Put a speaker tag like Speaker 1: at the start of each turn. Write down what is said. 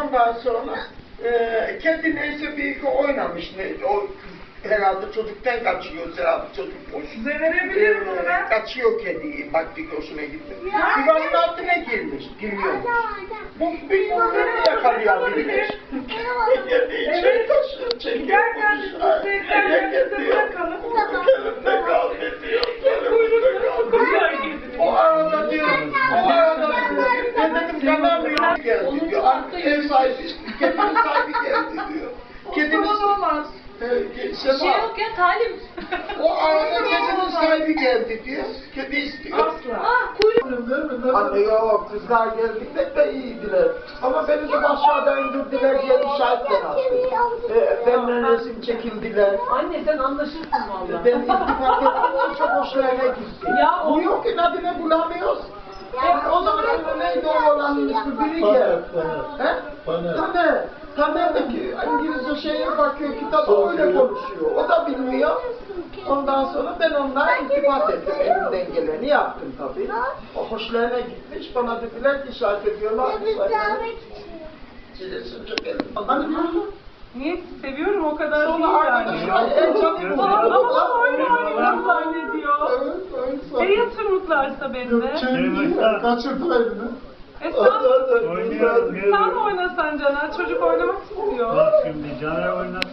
Speaker 1: Ondan sonra kedi neyse bir iki oynamış. O herhalde çocuktan kaçıyor herhalde çocukmuş.
Speaker 2: Size verebilirim bunu ben.
Speaker 1: Kaçıyor kediyi. Baktık hoşuna gitti. Divanın altına girmiş. Giriyormuş. Bu bir bunları yakalayabilir. İçeri taşıyor.
Speaker 2: Giderken biz bu sevgilerimizi bırakalım.
Speaker 1: Elimde kaldı diyor. Elimde kaldı.
Speaker 2: Güzel girdiniz.
Speaker 1: O arada diyor. O arada diyor. Ben dedim kanamıyor geldi diyor. Ev sahibi, kedinin sahibi geldi diyor. Kedinin
Speaker 2: Olamaz.
Speaker 1: Sema,
Speaker 3: Şey yok ya talim.
Speaker 1: o arada kedinin sahibi geldi diyor. Kedi istiyor.
Speaker 2: Asla.
Speaker 3: Ah kuyruk.
Speaker 1: Anne yok, kızlar geldiğinde de iyiydiler. Ama beni de aşağıdan indirdiler diye işaretten attı. Benimle resim çekildiler.
Speaker 3: Anne sen anlaşırsın valla.
Speaker 1: Ben iltifat ettim, çok hoşlarına gitti.
Speaker 3: Ya o-
Speaker 1: Bu yok ki adını bulamıyoruz. O zaman neydi o olanın ismi? Biri gel. He? Tamer. Tamer de ki İngilizce şeye bakıyor, kitabı öyle konuşuyor. O da bilmiyor. Ondan sonra ben onlara iltifat ettim. Elimden geleni yaptım tabii. O hoşlarına gitmiş. Bana dediler ki işaret ediyorlar. Çilesin çok elim. Hani diyorsun?
Speaker 2: Niye seviyorum o kadar değil
Speaker 1: Sonra arkadaşlar
Speaker 2: yani.
Speaker 1: en canım
Speaker 2: Ama oyun oynuyor zannediyor.
Speaker 1: Evet,
Speaker 2: Yatır mutlarsa beni de.
Speaker 1: Kaçırdı elini.
Speaker 2: Sen
Speaker 4: Oynuyorum.
Speaker 2: oynasan Caner, çocuk oynamak istiyor.
Speaker 4: Bak şimdi Caner oynasın.